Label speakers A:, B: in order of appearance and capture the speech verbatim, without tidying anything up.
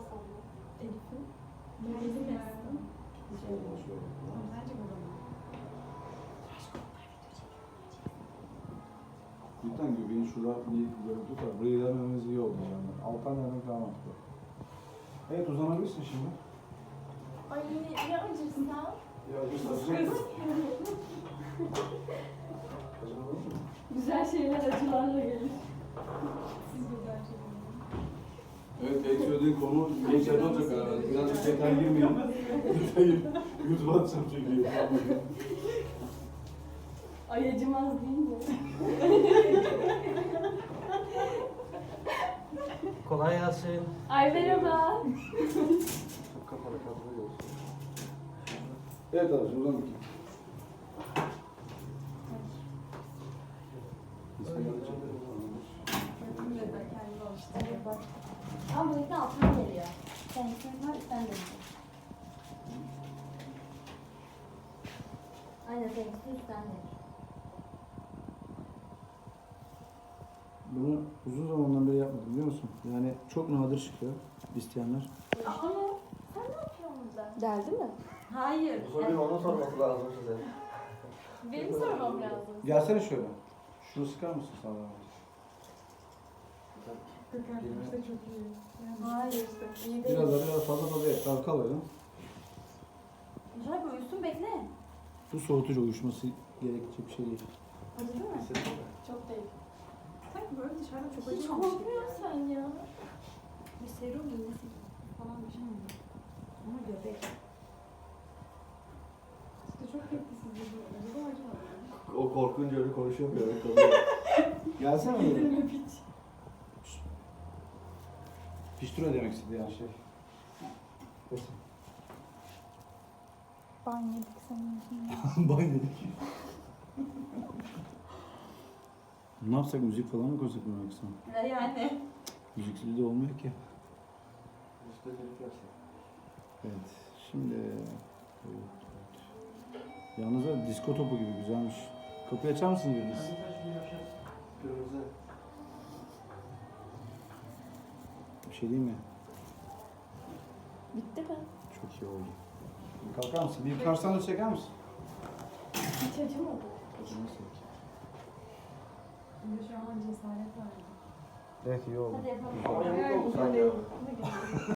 A: sonra.
B: Elif'in.
A: Kendisi mi?
B: Bence babamın.
C: Cidden göbeğin şurada bir görüntü var. Buraya gelmemiz iyi oldu yani. Alttan yerden falan attı. Evet, uzanabilirsin şimdi.
A: Ay ya acırsa?
C: Ya acı
A: Güzel şeyler acılarla gelir.
B: Siz güzel şeyler.
C: Evet, belki söylediğin konu geçerli olacak herhalde. Birazcık detay girmeyelim. YouTube'a atacağım çünkü.
A: Ay acımaz değil mi?
D: Kolay gelsin.
A: Ay merhaba.
C: Çok kapalı kadroyu olsun. Evet abi, şimdi uzan bakayım.
B: Bakın neden kendini alıştırıyor.
A: Bak. Ama bu yüzden altına geliyor. Kendisinin var, sen de. Aynen seninkisi üstten de.
C: Bunu uzun zamandan beri yapmadım, biliyor musun? Yani çok nadir çıkıyor isteyenler.
A: Ama sen ne yapıyorsun burada?
B: Geldi mi?
A: Hayır.
D: Bu soruyu onun sorması lazım size.
A: Benim sormam lazım.
C: Gelsene şöyle. Şunu sıkar mısın sana?
B: Kırk çok iyi. Yani
A: Hayır.
B: işte.
A: İyi değil.
C: Biraz da biraz fazla fazla et. Daha kal öyle.
A: Güzel bir uyusun bekle.
C: Bu soğutucu uyuşması gerekecek bir şey değil.
A: Acıdı mı?
B: Çok değil. Sanki böyle dışarıda çok
A: Hiç
B: acımamış gibi.
A: korkmuyorsun sen ya.
B: Bir serum iğnesi falan bir şey mi? Ama göbek. İşte çok tepkisiz bir şey. Acaba acımadı mı?
D: O korkunca öyle konuşamıyor. Öyle kalıyor.
C: Gelsene böyle.
A: Yedirme piç.
C: Piştura demek istedi yani şey. Kesin.
B: Ban yedik senin için.
C: Bay dedik. Ne yapsak, müzik falan mı koysak mı yoksa?
A: Ne yani?
C: Müziksiz de olmuyor ki.
D: İşte bir yapsak.
C: Evet, şimdi... Evet, evet. Yalnız da disko topu gibi güzelmiş. Kapıyı açar mısın biriniz?
D: Kırmızı.
C: Bir şey diyeyim mi?
A: Bitti mi?
C: Çok iyi oldu. Bir kalkar mısın? Bir yukarıdan da çeker misin?
A: Hiç acımadı.
C: Nasıl?
B: Şimdi şu an cesaret var.
C: Evet, iyi oldu.
A: Hadi yapalım.
D: Ama yamuk
B: Hayır,
D: oldu
B: güzel
D: sanki.
B: değil. Ama güzel.